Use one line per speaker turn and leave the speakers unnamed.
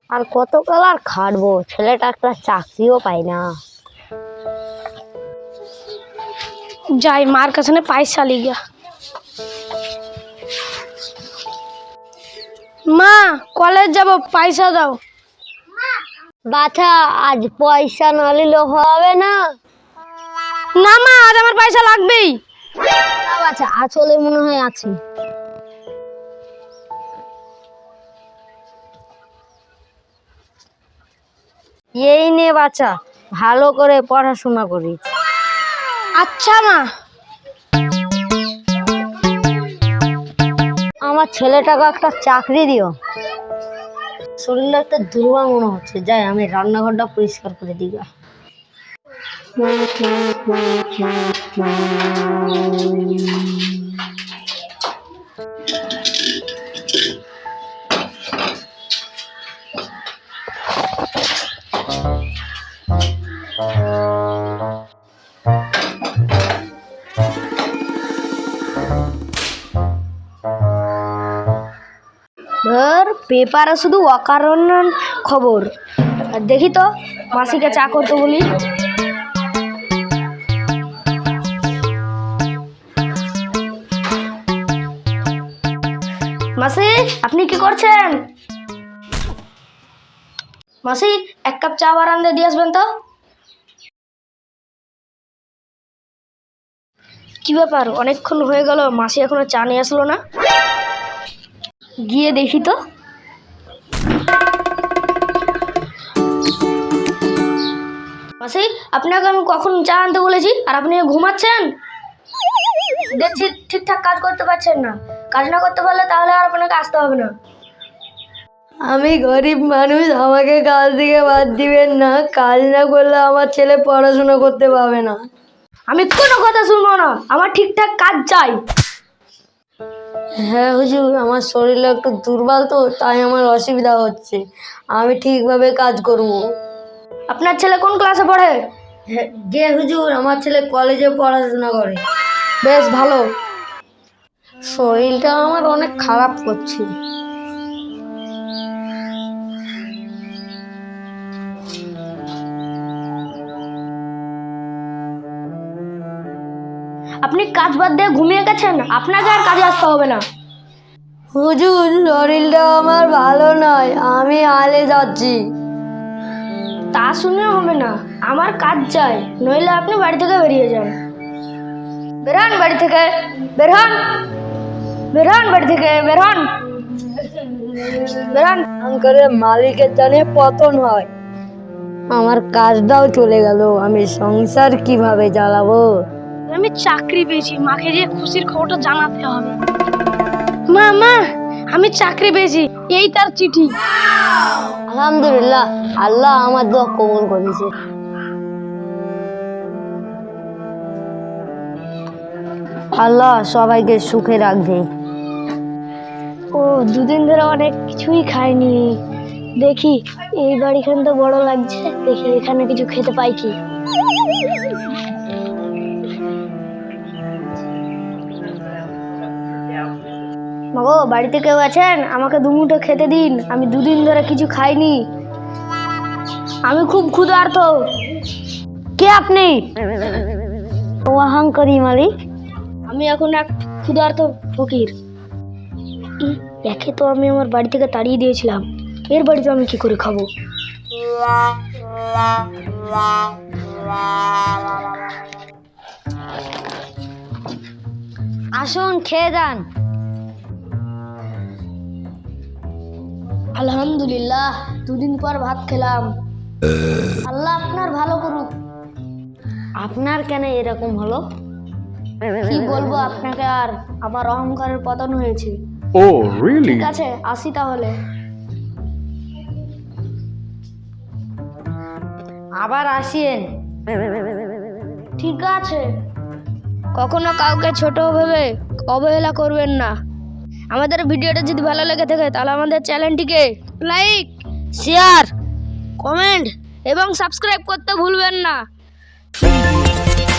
আর কতকাল আর খাটবো, ছেলেটা একটা চাকরিও পায় না।
যাই মার কাছে পয়সা লিগা। মা কলেজ যাব, পয়সা দাও।
বাছা, আজ পয়সা না নিলে হবে না।
না মা, আজ আমার পয়সা লাগবেই।
না বাছা, আসলে মনে হয় আছে। এই নে বাছা, ভালো করে পড়াশোনা করিস।
আচ্ছা মা।
আমার ছেলেটাকে একটা চাকরি দিও। শরীরটা একটা দুর্বল মনে হচ্ছে, যাই আমি রান্নাঘরটা পরিষ্কার করে দিই।
ধর পেপারে শুধু অকারণ খবর। আর দেখি তো মাসিকে চা করতে বলি। মাসি, আপনি কি করছেন? মাসি, এক কাপ চা বারান্দা দিয়ে আসবেন তো। কি ব্যাপার, অনেকক্ষণ হয়ে গেল মাসি এখনো চা নিয়ে আসলো না। গিয়ে দেখি তো। মাসি, আপনাকে আমি কখন চা আনতে বলেছি আর আপনি ঘুমাচ্ছেন? দেখছি ঠিকঠাক কাজ করতে পারছেন না। কাজ না করতে পারলে তাহলে আর আপনাকে আসতে হবে না।
আমি গরিব মানুষ, আমাকে কাজ থেকে বাদ দিবেন না। কাজ না করলে আমার ছেলে পড়াশোনা করতে পারবে না।
আমি কোনো কথা শুনবো না, আমার ঠিকঠাক কাজ চাই।
হ্যাঁ হুজুর, আমার শরীরটা একটু দুর্বল তো, তাই আমার অসুবিধা হচ্ছে। আমি ঠিকভাবে কাজ করব।
আপনার ছেলে কোন ক্লাসে পড়ে?
হ্যাঁ জি হুজুর, আমার ছেলে কলেজে পড়াশোনা করে।
বেশ ভালো।
শরীরটা আমার অনেক খারাপ করছে।
আপনি কাজ বাদ দিয়ে ঘুমিয়ে গেছেন, আপনাকে আর কাজে আসতে হবে না।
হুজুর, শরীরটা আমার ভালো নয়, আমি আলে যাচ্ছি।
তা শুনে হবে না, আমার কাজ চাই, নইলে আপনি বাড়ি থেকে বেরিয়ে যান। বেরোন বাড়ি থেকে, বেরোন, বেরোন বাড়ি থেকে, বেরোন, বেরোন।
করে মালিকের জানে পতন হয়। আমার কাজটাও চলে গেল, আমি সংসার কিভাবে চালাবো?
আমি চাকরি পেয়েছি, মাকে যে খুশির খবরটা জানাতে হবে। মা মা, আমি চাকরি পেয়েছি, এই তার চিঠি।
আলহামদুলিল্লাহ, আল্লাহ আমার দোয়া কবুল করেছে। আল্লাহ সবাইকে সুখে রাখবে।
ও দুদিন ধরে অনেক কিছুই খাইনি। দেখি এই বাড়িখান তো বড় লাগছে, দেখি এখানে কিছু খেতে পাই কি। মাগো, বাড়িতে কেউ আছেন? আমাকে দুমুঠো খেতে দিন, আমি দুদিন ধরে কিছু খাইনি, আমি খুব ক্ষুধার্ত।
কে আপনি? অহংকারী মালিক।
আমি এখন এক ক্ষুধার্ত ফকির। একে তো আমি আমার বাড়ি থেকে তাড়িয়ে দিয়েছিলাম, এর বাড়িতে আমি কি করে খাবো?
আসুন, খেয়ে যান।
আলহামদুলিল্লাহ, দুদিন পর ভাত খেলাম। আল্লাহ আপনার ভালো করুক।
আপনার কেন এরকম হলো?
কি বলবো আপনাকে, আর আমার অহংকারের পতন হয়েছে।
Oh, really?
ঠিক আছে, আসি তাহলে।
আবার আসিয়েন।
ঠিক আছে। কখনো কাউকে ছোট ভেবে অবহেলা করবেন না। আমাদের ভিডিওটা যদি ভালো লেগে থাকে তাহলে আমাদের চ্যানেলটিকে লাইক, শেয়ার, কমেন্ট এবং সাবস্ক্রাইব করতে ভুলবেন না।